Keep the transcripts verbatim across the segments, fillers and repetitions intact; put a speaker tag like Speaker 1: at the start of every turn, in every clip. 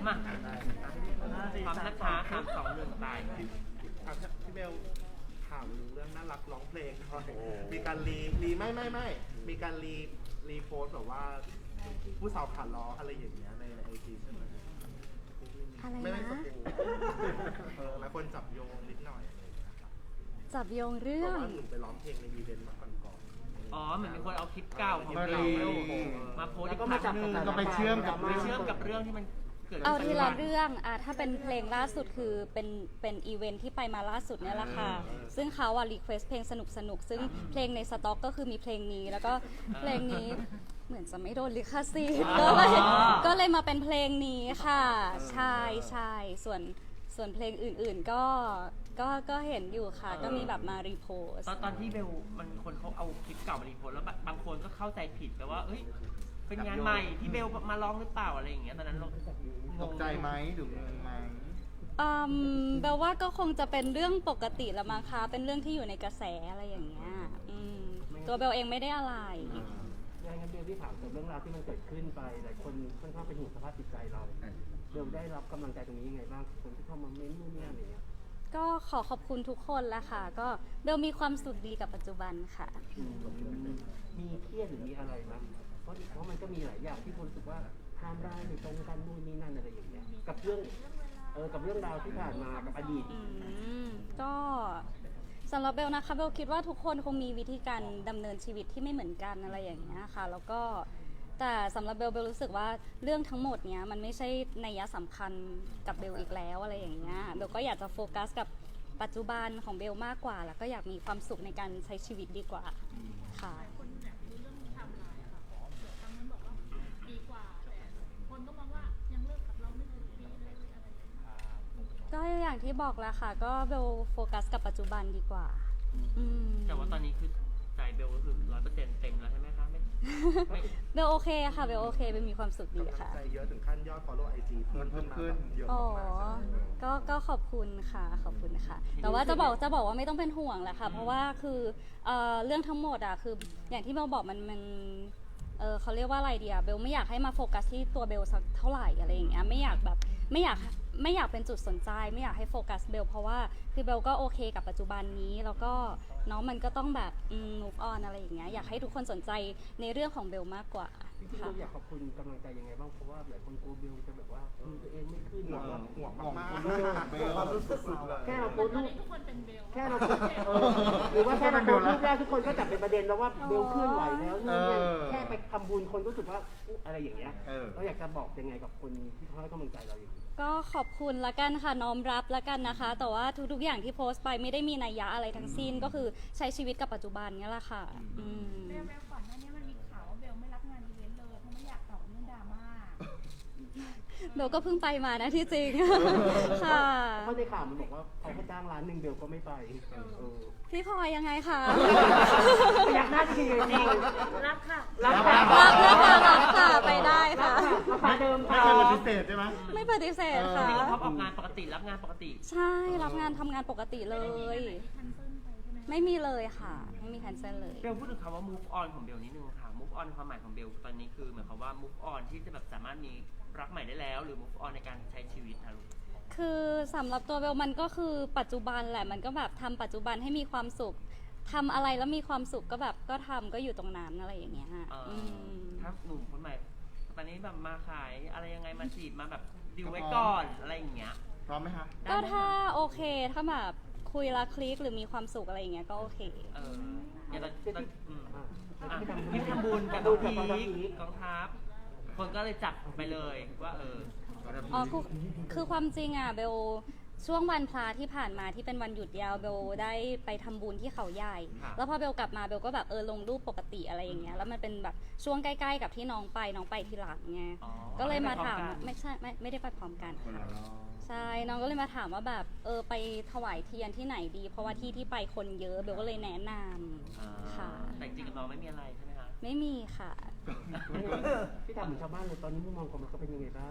Speaker 1: มาพร้อมนะคะสามสองหนึ่งตาย
Speaker 2: พี่เบลถามเรื่องน่ารักร้องเพลงหน่อยมีการรีรีไม่ไม่ไม่มีการรีรีโพสแบบว่าผู้สาวขาล้ออะไรอย่างเงี้ยในไอจีใช่ไหม
Speaker 3: อะไร
Speaker 2: ไม่ไม่ส
Speaker 3: นะ
Speaker 2: กูเออแล้วคนจับโยงนิดหน่อยอะไรอย่างเงี้ยครับ
Speaker 3: จับโยงเรื่
Speaker 2: บ
Speaker 3: อ
Speaker 2: อก
Speaker 3: ง
Speaker 2: ว่าหนูไปร้องเพลงในอีเวนต์มาก่อนก่อน
Speaker 1: อ๋อเหมือนมีคนเอาคลิปเก่าของ
Speaker 4: มา
Speaker 1: เรา
Speaker 4: รี
Speaker 1: มาโพสต์
Speaker 5: แล้วก็
Speaker 1: อีก
Speaker 5: มา
Speaker 1: ค
Speaker 5: จั
Speaker 1: รั้
Speaker 5: บ
Speaker 1: งหนึ่ง
Speaker 5: กับ
Speaker 4: ก็ไปเชื่อมกับ
Speaker 1: ไปเชื่อมกับเรื่องที่มันเกิด
Speaker 3: เอา
Speaker 1: ขึ้น
Speaker 3: ทีละเรื่องอ่ะถ้าเป็นเพลงล่าสุดคือเป็นเป็นอีเวนท์ที่ไปมาล่าสุดเนี่ยแหละค่ะซึ่งเขาอ่ะรีเควสเพลงสนุกสนุกซึ่งเพลงในสต็อกก็คือมีเพลงนี้แล้วก็เพลงนี้เหมือนจะไม่โดนลิขสิทธิ์ก็เลยก็เลยมาเป็นเพลงนี้ค่ะใช่ใช่ส่วนส่วนเพลงอื่นๆก็ก็ก็เห็นอยู่ค่ะก็มีแบบมารีโพส
Speaker 1: ตอนตอนที่เบลมันมีคนเขาเอาคลิปเก่ามารีโพสต์แล้วบางคนก็เข้าใจผิดแปลว่าเอ้ยเป็นงานใหม่ที่เบลมาร้องหรือเปล่าอะไรอย่างเงี้ยตอนนั้นเรา
Speaker 4: ตกใจไหมหรืองงไหม
Speaker 3: อืมแปลว่าก็คงจะเป็นเรื่องปกติละมั้งคะเป็นเรื่องที่อยู่ในกระแสอะไรอย่างเงี้ยอืมตัวเบลเองไม่ได้อะไร
Speaker 5: ยังงั้นเบลที่ถามกับเรื่องราวที่มันเกิดขึ้นไปหลายคนค่อนข้างเป็นห่วงสภาพจิตใจเราเบลได้รับกำลังใจตรงนี้ยังไงบ้างคนที่เข้ามาเม้นต์นู่นนี่นั่นอะไรเงี้ย
Speaker 3: ก็ขอขอบคุณทุกคนละค่ะ ก็เบลมีความสุขดีกับปัจจุบันค่ะ
Speaker 5: มีเครียดหรือมีอะไรไหมเพราะเพราะมันก็มีหลายอย่างที่คนรู้สึกว่าไทม์ไลน์ไม่ตรงกันนู่นนี่นั่นอะไรอย่างเงี้ยกับเรื่องเออกับเรื่องราวที่ผ่านมากับอดีต
Speaker 3: อืมก็สำหรับเบลนะคะเบลคิดว่าทุกคนคงมีวิธีการดำเนินชีวิตที่ไม่เหมือนกันอะไรอย่างเงี้ยค่ะแล้วก็แต่สำหรับเบลเบลรู้สึกว่าเรื่องทั้งหมดเนี้ยมันไม่ใช่นัยสำคัญกับเบลอีกแล้วอะไรอย่างเงี้ยเบลก็อยากจะโฟกัสกับปัจจุบันของเบลมากกว่าแล้วก็อยากมีความสุขในการใช้ชีวิตดีกว่าค่ะ
Speaker 6: คนอยากรู้เรื่องไทม์ไลน์อะค่ะเดี๋ยวทางนั้นบอกว่าดีกว่าแต่คนก็มองว่ายังเลิกกับเราไม่ถึงปีเลยอะไรอย่างเงี้ย
Speaker 3: ก็อย่างที่บอกแล้วค่ะก็เบลโฟกัสกับปัจจุบันดีกว่าอืม
Speaker 1: แต่ว่าตอนนี้คือใจเบลก็คือร้อยเปอร์เซ็นต์เต็มแล้วใช่ไหมคะไม่ไม่
Speaker 3: เบลโอเคค่ะเบลโอเคเบลมีความสุขดี
Speaker 2: กำลัง
Speaker 3: ค่ะ
Speaker 2: ใจเยอะถึงขั้นยอด follow ไอ จี เพิ่มขึ้นมาแบบเยอะ
Speaker 3: อ๋อ
Speaker 2: มากๆ
Speaker 3: ก็ก็ขอบคุณค่ะขอบคุณค่ะ แต่ว่าจะบอกจะบอกว่าไม่ต้องเป็นห่วงแหละค่ะ เพราะว่าคือเอ่อเรื่องทั้งหมดอะคืออย่างที่เบลบอกมันมันเออเขาเรียกว่าอะไรดีอะเบลไม่อยากให้มาโฟกัสที่ตัวเบลสักเท่าไหร่อะไรอย่างเงี้ยไม่อยากแบบไม่อยากไม่อยากเป็นจุดสนใจไม่อยากให้โฟกัสเบลเพราะว่าคือเบลก็โอเคกับปัจจุบันนี้แล้วก็เนาะมันก็ต้องแบบอืม move on อะไรอย่างเงี้ยอยากให้ทุกคนสนใจในเรื่องของเบลมากกว่า
Speaker 5: จริงๆเราอยากขอบคุณกำลังใจยังไงบ้างเพราะว่าหลายคนกลัวเบลจะแบบว่าดูตัวเองไม่ขึ้นหร
Speaker 2: ห่ว
Speaker 5: อง
Speaker 2: ห่วงมาก
Speaker 4: ห่วงเบล
Speaker 2: ๆความรู้สึกสุดเลย
Speaker 5: แค่เราโพสต์
Speaker 6: ตอ
Speaker 5: รู
Speaker 6: น
Speaker 5: ป
Speaker 6: นี้ทุกคนเป็นเบล
Speaker 5: แค่เราเออหรือว่าแค่เราโพสต์รูปแรกทุกคนก็จับเป็นประเด็นแล้วว่าเบลเคลื่อนไหวแล้วนี่เนี่ยแค่ไปทำบุญคนก็รู้สึกว่าอุ๊ยอะไรอย่างเงี้ย
Speaker 4: เออ
Speaker 5: เราอยากจะบอกยังไงกับคนที่เขาให้กำลังใจเราอย่างนี้
Speaker 3: ก็ขอบคุณละกันค่ะน้อมรับละกันนะคะ แต่ว่าทุกๆอย่างที่โพสต์ไปไม่ได้มีนัยยะอะไรทั้งสิ้นก็คือใช้ชีวิตกับปัจจุบันนี่แหละค่ะอืม
Speaker 6: เบลเบลก่อนหน้านี้มันมีข่าวว่าเบลไม่รับงานอีเวนต์เลยเพราะไม่อยากตอบเรื่องดราม่า
Speaker 3: เบลก็เพิ่งไปมานะที่จริง ค่ะ
Speaker 5: เพราะในข่าวมันบอกว่าเขาให้จ้างร้านหนึ่งเบลก็ไม่ไปเออ
Speaker 3: พี่พลอยยังไงคะ
Speaker 5: อยากหน้าจริงจริง
Speaker 6: รับค่ะ
Speaker 5: รับ
Speaker 3: รับนะคะรับค่ะไปได้ค่ะ
Speaker 5: ราคาเดิม
Speaker 4: ไม่
Speaker 5: ค่ะ
Speaker 4: เคยปฏิเสธใช่ไหม
Speaker 3: ไม่ปฏิเสธค่ะ
Speaker 1: นี่ก็ท็อปออกงานปกติรับงานปกติ
Speaker 3: ใช่รับงานทำงานปกติเลย
Speaker 6: ทันเซิลไปใช่ไหม
Speaker 3: ไม่มีเลยค่ะ ไม่มีแคนเซิลเลย
Speaker 1: เบลพูดถึงคำว่า move on ของเบลนิดนึงค่ะ move on ความหมายของเบลตอนนี้คือเหมือนความว่า move on ที่จะแบบสามารถมีรักใหม่ได้แล้ว หรือ move on ในการใช้ชีวิตค่ะลูก
Speaker 3: คือสำหรับตัวเบลมันก็คือปัจจุบันแหละมันก็แบบทำปัจจุบันให้มีความสุขทำอะไรแล้วมีความสุขก็แบบก็ทำก็อยู่ตรงนั้นอะไรอย่างเงี้ย
Speaker 1: เอ่อ
Speaker 3: อืม
Speaker 1: ถ้าหนุ่มคนใหม่ตอนนี้แบบมาขายอะไรยังไงมาจีบมาแบบดิวไว้ก่อนอะไรอย่างเงี้ย
Speaker 4: พร้อมไหมคะ
Speaker 3: ก็ถ้าโอเคถ้าแบบคุยและคลิกหรือมีความสุขอะไรอย่างเงี้ยก็โอเค
Speaker 1: เอออย่างตอนตอนอืม
Speaker 5: อ่ะ
Speaker 1: อ่ะ
Speaker 5: ที่ทำ
Speaker 1: ที่ทำบุญกับ
Speaker 5: บุ
Speaker 1: น้อง
Speaker 5: ญกับน้อง
Speaker 1: พี
Speaker 5: พี
Speaker 1: คกองทัพคนก็เลยจับไปเลยว่าเออ
Speaker 3: อ๋อคือคือความจริงอ่ะเบลช่วงวันพระที่ผ่านมาที่เป็นวันหยุดยาวเบลได้ไปทำบุญที่เขาใหญ่
Speaker 1: ครับ
Speaker 3: แล้วพอเบลกลับมาเบลก็แบบเออลงรูปปกติอะไรอย่างเงี้ยแล้วมันเป็นแบบช่วงใกล้ๆกับที่น้องไปน้องไปทีหลังไง
Speaker 1: อ๋อ
Speaker 3: ก็เลยมาถาม
Speaker 1: ไได้ไปพร้อกัน
Speaker 3: ไม่ใช่ไม่ไม่ได้ไปพร้อมกัน
Speaker 4: คนละรอบ
Speaker 3: ใช่น้องก็เลยมาถามว่าแบบเออไปถวายเทียนที่ไหนดี เพราะว่าที่ที่ไปคนเยอะเบลก็เลยแนะน
Speaker 1: อ่า
Speaker 3: ำค่ะ
Speaker 1: แต่จริงๆกับน้องไม่มีอะไรใช่ไหมคะ
Speaker 3: ไม่มีค่ะ
Speaker 5: พี่ถามเหมือนชาวบ้านเลยตอนนี้มุมมองของมันก็เป็นยังไงบ้าง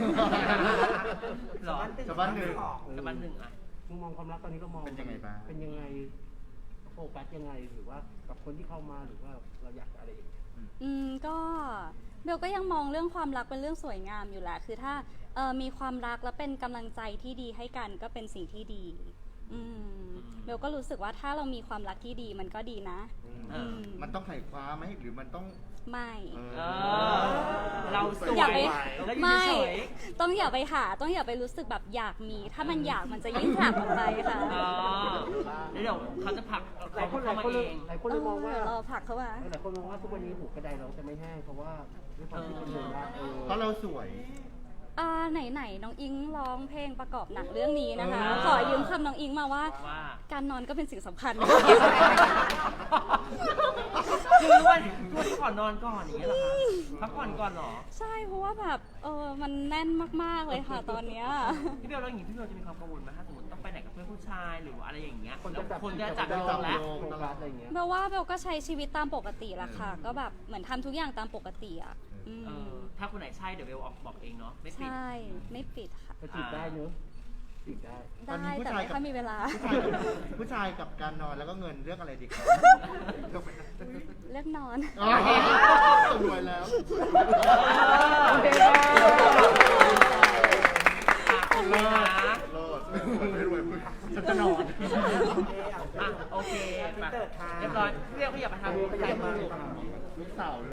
Speaker 1: หรอ
Speaker 4: ชาวบ้านหนึ่ง
Speaker 1: กับบ้านหนึ่งอ่ะ
Speaker 5: มุมมองความรักตอนนี้ก็มอง
Speaker 4: เป็นยังไงบ้าง
Speaker 5: เป็นยังไงโฟกัสยังไงหรือว่ากับคนที่เข้ามาหรือว่าเราอยากอะไรอย่างเงี้ย
Speaker 3: อืมก็เบลก็ยังมองเรื่องความรักเป็นเรื่องสวยงามอยู่แหละคือถ้าเอ่อมีความรักแล้วเป็นกำลังใจที่ดีให้กันก็เป็นสิ่งที่ดีอืมเบลก็รู้สึกว่าถ้าเรามีความรักที่ดีมันก็ดีนะ
Speaker 1: เอ
Speaker 3: อื
Speaker 1: อ
Speaker 3: ม
Speaker 4: มันต้องไขว่คว้าไหมหรือมันต้อง
Speaker 3: ไม่
Speaker 4: เอ
Speaker 1: เอ
Speaker 4: อ
Speaker 1: อเราสวย
Speaker 3: อย่าไป
Speaker 1: แล้วอยู่
Speaker 3: ไม่
Speaker 1: เฉย
Speaker 3: ต้องอย่าไปหาต้องอย่าไปรู้สึกแบบอยากมี ถ้ามันอยากมันจะยิ่งผลักออกไปค่ะ
Speaker 1: ๆอ๋อแล้วเดี๋ยวเขาจะผลัก
Speaker 5: หลาย
Speaker 1: เขา
Speaker 5: คนหลา
Speaker 1: เข้าย มา
Speaker 5: คนเล
Speaker 1: เอย ง
Speaker 5: หลายคน
Speaker 3: เอ
Speaker 5: เลยมอง
Speaker 3: อ
Speaker 5: ว่า
Speaker 3: เดี๋ยวรอผลักเข้ามา
Speaker 5: หลายคนมองว่าทุกวันนี้หูกระไดเราจะไม่แห้งเพราะว่าด้วยความที่คนเดินว่าเออ
Speaker 4: เพราะเราสวย
Speaker 3: อ่าไหนๆน้องอิงร้องเพลงประกอบหนังเรื่องนี้นะคะ
Speaker 1: เออ
Speaker 3: ขอยืมคำน้องอิงมาว่า
Speaker 1: ว่า
Speaker 3: การนอนก็เป็นสิ่งสำคัญ
Speaker 1: คือวันวันที่ก่อนนอนก่อนอย่างเงี้ยเหรอคะพักผ่อนก่อนเหรอ
Speaker 3: ใช่เพราะว่าแบบเออมันแน่นมากๆเลยค่ะตอนเนี้ย
Speaker 1: พี่เบลแล้วอย่างงี้พี่เบลจะมีความกังวลไหมถ้าสมมติต้องไปไหนกับเพื่อนผู้ชายหรือว่าอะไรอย่างเงี้ย
Speaker 5: คน
Speaker 1: แล้
Speaker 5: จะ
Speaker 1: ว
Speaker 5: จับ
Speaker 1: คนจะจับ
Speaker 5: โย
Speaker 1: โยงแล้ว
Speaker 5: โฟกัสอะไรอย่างเงี้ย
Speaker 3: เบลว่าเบลก็ใช้ชีวิตตามปกติแหละค่ะ ก็แบบเหมือนทำทุกอย่างตามปกติอ่ะอืม
Speaker 1: เออถ้าคนไหนใช่เดี๋ยวเบลออกบอกเองเนาะไม่ปิด
Speaker 3: ใช่ไม่ปิดค่ะ
Speaker 5: ก็จีบได้เนอะจีบได้
Speaker 4: ตอน
Speaker 3: ได้
Speaker 4: นี้ผู้
Speaker 3: แต่
Speaker 4: ชาย
Speaker 3: ไม่
Speaker 4: กับ
Speaker 3: ค่อยมีเวลา
Speaker 4: ผู้ชายกับผู้ชายกับการนอนแล้วก็เงินเรื่องอะไรดีครับ
Speaker 3: เลือกนอน
Speaker 4: อ๋อรวยแล้ว
Speaker 5: โอเค
Speaker 1: อ่ะโอเคนะ
Speaker 4: โลดไม่รวยมึงฉันจะนอน
Speaker 1: อ่ะโอเคไปเรียบร้อยพี่เบลขยับไปทาง
Speaker 5: ขยับมา
Speaker 4: ลูกสาว